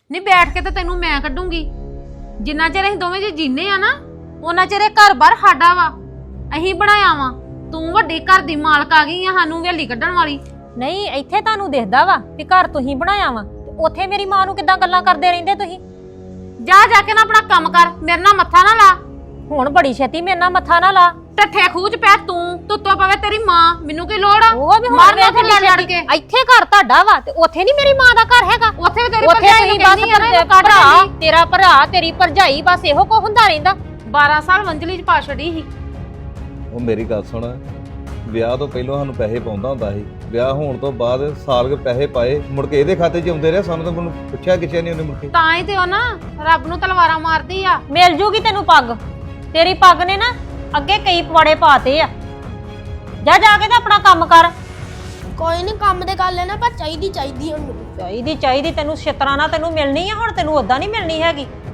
ਨਹੀਂ ਬੈਠ ਕੇ ਤਾਂ ਤੈਨੂੰ ਮੈਂ ਕੱਢੂੰਗੀ। ਜਿੰਨਾ ਚਿਰ ਅਸੀਂ ਦੋਵੇਂ ਜੀ ਜੀਨੇ ਆ ਨਾ ਉਹਨਾਂ ਚਿਰ ਇਹ ਘਰ-ਬਾਰ ਸਾਡਾ ਵਾ, ਅਸੀਂ ਬਣਾਇਆ ਵਾ। ਤੂੰ ਵੱਡੀ ਘਰ ਦੀ ਮਾਲਕ ਆ ਗਈ ਆ ਸਾਨੂੰ ਵੇਲੀ ਕੱਢਣ ਵਾਲੀ। ਨਹੀਂ ਇੱਥੇ ਤੁਹਾਨੂੰ ਦਿਖਦਾ ਵਾ ਵੀ ਘਰ ਤੁਸੀਂ ਬਣਾਇਆ ਵਾ, ਉੱਥੇ ਮੇਰੀ ਮਾਂ ਨੂੰ ਕਿੱਦਾਂ ਗੱਲਾਂ ਕਰਦੇ ਰਹਿੰਦੇ ਤੁਸੀਂ। ਜਾ ਕੇ ਨਾ ਆਪਣਾ ਕੰਮ ਕਰ, ਮੇਰੇ ਨਾਲ ਮੱਥਾ ਨਾ ਲਾ। ਹੁਣ ਬੜੀ ਛੇਤੀ ਮੇਰੇ ਨਾਲ ਮੱਥਾ ਨਾ ਲਾ। ਟੱਠੇ ਖੂਚ ਪੈ ਤੂੰ, ਤੁੱਤੋਂ ਪਵੇ ਤੇਰੀ ਮਾਂ, ਮੈਨੂੰ ਕੀ ਲੋੜ ਆ? ਉਹ ਵੀ ਹੁਣ ਮਾਰਨਾ ਵੇਖ ਲੜ ਲੜ ਕੇ। ਇੱਥੇ ਘਰ ਤੁਹਾਡਾ ਵਾ ਤੇ ਉੱਥੇ ਨਹੀਂ ਮੇਰੀ ਮਾਂ ਦਾ ਘਰ ਹੈਗਾ। ਉੱਥੇ ਵੀ ਤੇਰੀ ਉੱਥੇ ਭਰਜਾਈ ਤੁਸੀਂ ਨੂੰ ਕਹਿੰਦੀ ਆ ਨਾ ਇਹਨੂੰ ਕੱਢ ਭਰਾ, ਲੈਂਦੀ। ਤੇਰਾ ਭਰਾ ਤੇਰੀ ਭਰਜਾਈ ਬਸ ਇਹੋ ਕੋ ਹੁੰਦਾ ਰਹਿੰਦਾ। 12 ਸਾਲ ਵੰਜਲੀ ਚ ਪਾ ਛੜੀ ਸੀ। ਉਹ ਮੇਰੀ ਗੱਲ ਸੁਣ, ਵਿਆਹ ਤੋਂ ਪਹਿਲਾਂ ਸਾਨੂੰ ਪੈਸੇ ਪਾਉਂਦਾ ਹੁੰਦਾ ਸੀ, ਵਿਆਹ ਹੋਣ ਤੋਂ ਬਾਅਦ ਸਾਲ ਕੇ ਪੈਸੇ ਪਾਏ, ਮੁੜ ਕੇ ਇਹਦੇ ਖਾਤੇ 'ਚ ਆਉਂਦੇ ਰਹੇ, ਸਾਨੂੰ ਤਾਂ ਮੈਨੂੰ ਪੁੱਛਿਆ ਕਿਸੇ ਨਹੀਂ ਉਹਨੇ ਮੁੜ ਕੇ। ਤਾਂ ਹੀ ਤੇ ਉਹ ਨਾ ਰੱਬ ਨੂੰ ਤਲਵਾਰਾਂ ਮਾਰਦੀ ਆ। ਮਿਲ ਜੂਗੀ ਤੈਨੂੰ ਪੱਗ, ਤੇਰੀ ਪੱਗ ਨੇ ਨਾ ਅੱਗੇ ਕਈ ਪਵਾੜੇ ਪਾਤੇ ਆ। ਜਾ ਕੇ ਤਾਂ ਆਪਣਾ ਕੰਮ ਕਰ। ਕੋਈ ਨਹੀਂ ਕੰਮ ਦੇ ਗੱਲ ਹੈ ਨਾ, ਪਰ ਚਾਹੀਦੀ ਹੁਣ ਮੈਨੂੰ। ਚਾਹੀਦੀ ਤੈਨੂੰ ਛਿੱਤਰਾਂ ਨਾਲ ਤੈਨੂੰ ਮਿਲਣੀ ਆ, ਹੁਣ ਤੈਨੂੰ ਉਦਾਂ ਨਹੀਂ ਮਿਲਣੀ ਹੈਗੀ।